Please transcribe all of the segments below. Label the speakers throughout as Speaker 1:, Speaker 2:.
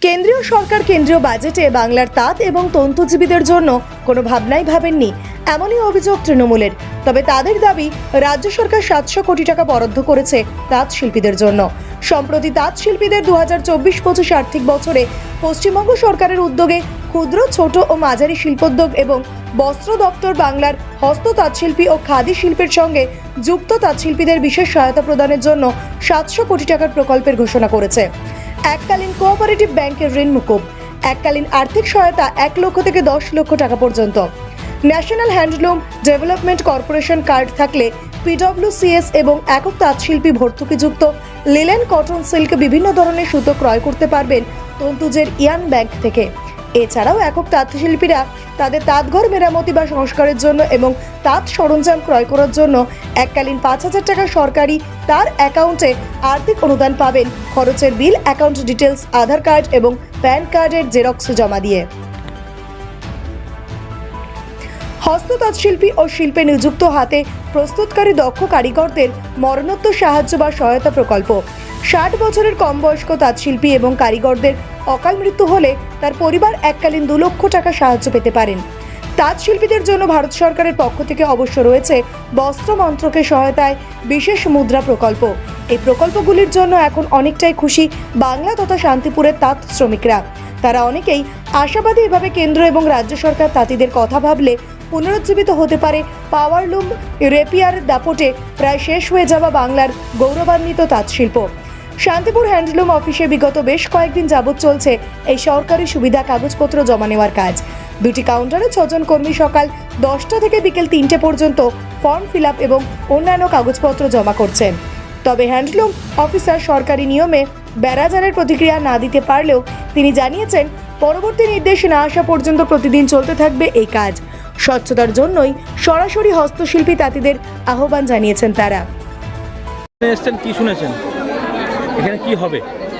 Speaker 1: কেন্দ্রীয় সরকার কেন্দ্রীয় বাজেটে বাংলার তাঁত এবং তন্তুজীবীদের জন্য কোনো ভাবনাই ভাবেননি, এমনই অভিযোগ তৃণমূলের। তবে তাদের দাবি, রাজ্য সরকার 700 কোটি টাকা বরাদ্দ করেছে তাঁত শিল্পীদের জন্য। সম্প্রতি তাঁত শিল্পীদের 2024-25 আর্থিক বছরে পশ্চিমবঙ্গ সরকারের উদ্যোগে ক্ষুদ্র, ছোট ও মাঝারি শিল্পোদ্যোগ এবং বস্ত্র দপ্তর বাংলার হস্ত তাঁতশিল্পী ও খাদি শিল্পের সঙ্গে যুক্ত তাঁতশিল্পীদের বিশেষ সহায়তা প্রদানের জন্য 700 কোটি টাকার প্রকল্পের ঘোষণা করেছে। এককালীন কোঅপারেটিভ ব্যাংকের ঋণ মুকুব, এককালীন আর্থিক সহায়তা 1 লক্ষ থেকে 10 লক্ষ টাকা পর্যন্ত। National handloom development corporation card থাকলে পিডব্লিউসিএস এবং একক তাঁতশিল্পী ভর্তুকিযুক্ত লিলেন, কটন, সিল্ক বিভিন্ন ধরনের সুতো ক্রয় করতে পারবেন তন্তুজের ইয়ান ব্যাংক থেকে। এছাড়াও একক তাঁতশিল্পীরা তাদের তাঁতঘর মেরামতি বা সংস্কারের জন্য এবং তাঁত সরঞ্জাম ক্রয় করার জন্য এককালীন 5,000 টাকা সরকারি তার অ্যাকাউন্টে আর্থিক অনুদান পাবেন, খরচের bill, account details, Aadhaar card এবং প্যান কার্ডের জেরক্স জমা দিয়ে। হস্ত তাঁতশিল্পী ও শিল্পে নিযুক্ত হাতে প্রস্তুতকারী দক্ষ কারিগরদের মরণোত্তর সাহায্য বা সহায়তা প্রকল্প। 60 বছরের কম বয়স্ক তাঁতশিল্পী এবং কারিগরদের অকাল মৃত্যু হলে তার পরিবার এককালীন 2 লক্ষ টাকা সাহায্য পেতে পারেন। তাঁত শিল্পীদের জন্য ভারত সরকারের পক্ষ থেকে অবশ্য রয়েছে বস্ত্র মন্ত্রকের সহায়তায় বিশেষ মুদ্রা প্রকল্প। এই প্রকল্পগুলির জন্য এখন অনেকটাই খুশি বাংলা তথা শান্তিপুরের তাঁত শ্রমিকরা। তারা অনেকেই আশাবাদী, এভাবে কেন্দ্র এবং রাজ্য সরকার তাঁতিদের কথা ভাবলে পুনরুজ্জীবিত হতে পারে পাওয়ারলুম রেপিয়ার দাপটে প্রায় শেষ হয়ে যাওয়া বাংলার গৌরবান্বিত তাঁত শিল্প। শান্তিপুর হ্যান্ডলুম অফিসে বিগত বেশ কয়েকদিন যাবৎ চলছে এই সরকারি সুবিধা কাগজপত্র জমা নেওয়ার কাজ। 2টি কাউন্টারে 6 জন কর্মী সকাল 10টা থেকে বিকেল 3টে পর্যন্ত ফর্ম ফিল আপ এবং অন্যান্য কাগজপত্র জমা করছেন। তবে হ্যান্ডলুম অফিসার সরকারি নিয়মে ব্যারাজারের প্রতিক্রিয়া না দিতে পারলেও তিনি জানিয়েছেন, পরবর্তী নির্দেশ না আসা পর্যন্ত প্রতিদিন চলতে থাকবে এই কাজ। স্বচ্ছতার জন্যই সরাসরি হস্তশিল্পী তাঁতিদের আহ্বান জানিয়েছেন তারা।
Speaker 2: কি শুনেছেন এখানে কি হবে?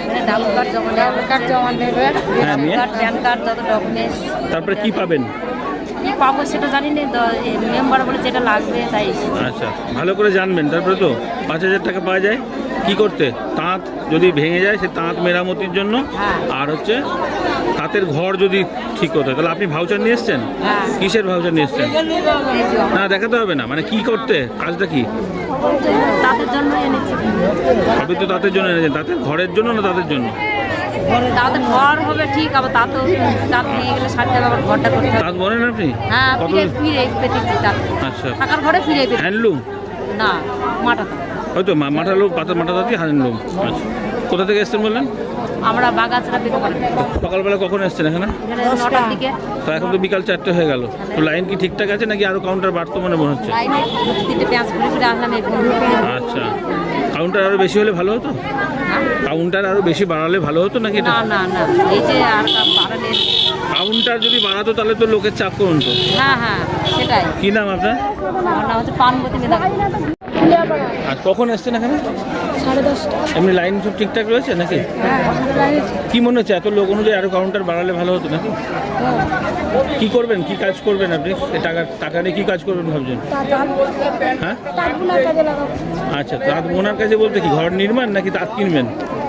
Speaker 2: তারপরে কি পাবেন?
Speaker 3: পাবো সেটা জানি না, মেম্বার বলে যেটা লাগবে তাই।
Speaker 2: আচ্ছা, ভালো করে জানবেন। তারপরে তো 5,000 টাকা পাওয়া যায় কি করতে? তাঁত যদি ভেঙে যায় সে তাঁত মেরামতির জন্য, আর হচ্ছে তাঁতের ঘর যদি ঠিক করতে হয়। তাহলে আপনি ভাউচার নিয়ে এসছেন? কিসের ভাউচার নিয়ে এসছেন? না, দেখাতে হবে না, মানে কি করতে, কাজটা কি?
Speaker 3: তাদের জন্য এনেছি।
Speaker 2: আপনি তো তাঁতের জন্য এনেছেন, তাঁতের ঘরের জন্য না তাদের জন্য?
Speaker 3: তাদের ঘর হবে ঠিক, আবার তাঁতও তাঁত নিয়ে গেলে সাথে আবার ঘরটা করতে হবে।
Speaker 2: তাঁত বলেন আপনি?
Speaker 3: হ্যাঁ, ফিরে পেতেছি তাঁত।
Speaker 2: আচ্ছা,
Speaker 3: থাকার ঘরে ফিরে পেতেছি।
Speaker 2: হ্যান্ডলুম
Speaker 3: না, মাটা
Speaker 2: হয়তো মাঠা লোক, পাতা মাঠা তাঁতি হ্যান্ডলুম। আচ্ছা, কোথা থেকে এসছেন বললেন?
Speaker 3: আমরা বাগাছড়া পেতে পারি।
Speaker 2: সকালবেলা কখন এসছেন এখানে?
Speaker 3: 9টার দিকে।
Speaker 2: তো এখন তো বিকাল 4টে হয়ে গেল। তো লাইন কি ঠিকঠাক আছে নাকি আরো কাউন্টার বাড়তো মনে হচ্ছে?
Speaker 3: লাইনে 2-3টে পেঁয়াজ ঘুরে ফিরে আসলাম।
Speaker 2: আচ্ছা, কাউন্টার আরো বেশি হলে ভালো হতো? কাউন্টার আরো বেশি বাড়ালে ভালো হতো নাকি?
Speaker 3: না না না, এই যে আর বাড়ালে
Speaker 2: কাউন্টার যদি বাড়াতো তাহলে তো লোকের চাপ কমতো।
Speaker 3: হ্যাঁ হ্যাঁ, সেটাই।
Speaker 2: কি নাম আপনার?
Speaker 3: আমার নাম হচ্ছে পানবতী মেধা।
Speaker 2: আর কখন এসছেন এখানে?
Speaker 3: 10:30।
Speaker 2: এমনি লাইন সব ঠিকঠাক রয়েছে নাকি? কি মনে হচ্ছে এত লোক অনুযায়ী আরো কাউন্টার বাড়ালে ভালো হতো নাকি? কি করবেন, কি কাজ করবেন আপনি? টাকা নিয়ে কি কাজ করবেন ভাবছেন? হ্যাঁ, আচ্ছা, তাঁত বোনার কাজে বলতে কি ঘর নির্মাণ নাকি তাঁত কিনবেন?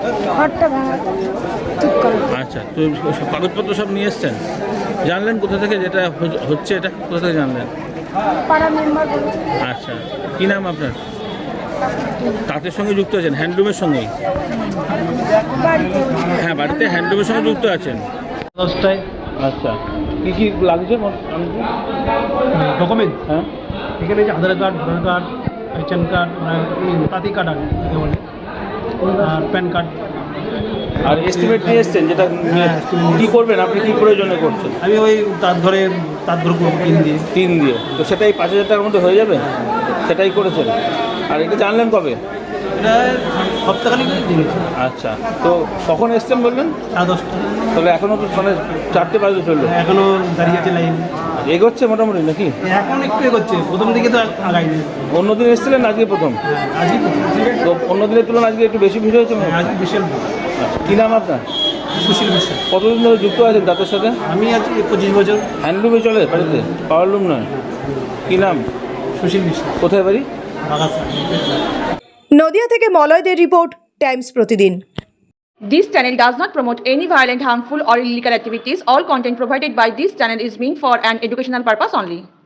Speaker 2: আচ্ছা, তো কাগজপত্র সব নিয়ে এসছেন? জানলেন কোথা থেকে যেটা হচ্ছে, এটা কোথা থেকে জানলেন? আচ্ছা, কি নাম আপনার? তাঁতের সঙ্গে যুক্ত আছেন, হ্যান্ডলুমের সঙ্গেই? হ্যাঁ, বাড়িতে হ্যান্ডলুমের সঙ্গে যুক্ত আছেন।
Speaker 4: 10টায়।
Speaker 2: আচ্ছা, কি কি লাগছে
Speaker 4: ডকুমেন্ট?
Speaker 2: হ্যাঁ,
Speaker 4: এখানে যে Aadhaar card, voter card, pension card, তাঁতি কার্ড আর প্যান কার্ড।
Speaker 2: আর এস্টিমেট নিয়ে এসছেন যেটা কি করবেন আপনি, কি প্রয়োজনে করছেন?
Speaker 4: আমি ওই তাঁত ঘর করবো 3 দিয়ে।
Speaker 2: 3 দিয়ে, তো সেটাই 5,000 টাকার মধ্যে হয়ে যাবে? সেটাই করেছেন। আর এটা জানলেন কবে?
Speaker 4: এটা সপ্তাহখানিক দিয়েছি।
Speaker 2: আচ্ছা, তো কখন এসছেন বললেন?
Speaker 4: 10:30।
Speaker 2: তবে এখনও তো মানে 4টে বাজে চললো,
Speaker 4: এখনো দাঁড়িয়ে আছে লাইন।
Speaker 2: এগোচ্ছে মোটামুটি নাকি?
Speaker 4: এখন একটু এগোচ্ছে, প্রথম দিকে তো আগাইনি।
Speaker 2: অন্যদিন এসেছিলেন, আজকে প্রথম?
Speaker 4: আজকে
Speaker 2: তো অন্যদিনের তুলনায় আজকে একটু বেশি ভিড় হয়েছে?
Speaker 4: আজকে বিশাল।
Speaker 2: আচ্ছা, কী নাম আপনার?
Speaker 4: সুশীল বিশ্বাস।
Speaker 2: কতদিন ধরে যুক্ত আছেন তাদের সাথে?
Speaker 4: আমি আজ 25 বছর।
Speaker 2: হ্যান্ডলুমে চলে বাড়িতে, পাওয়ারলুম নয়? কী নাম?
Speaker 4: সুশীল বিশ্বাস।
Speaker 2: কোথায় বাড়ি?
Speaker 4: বাগাছা।
Speaker 1: নদিয়া থেকে মলয়দের report, Times Pratidin.
Speaker 5: This channel does not promote any violent, harmful, or illegal activities. All content provided by this channel is meant for an educational purpose only.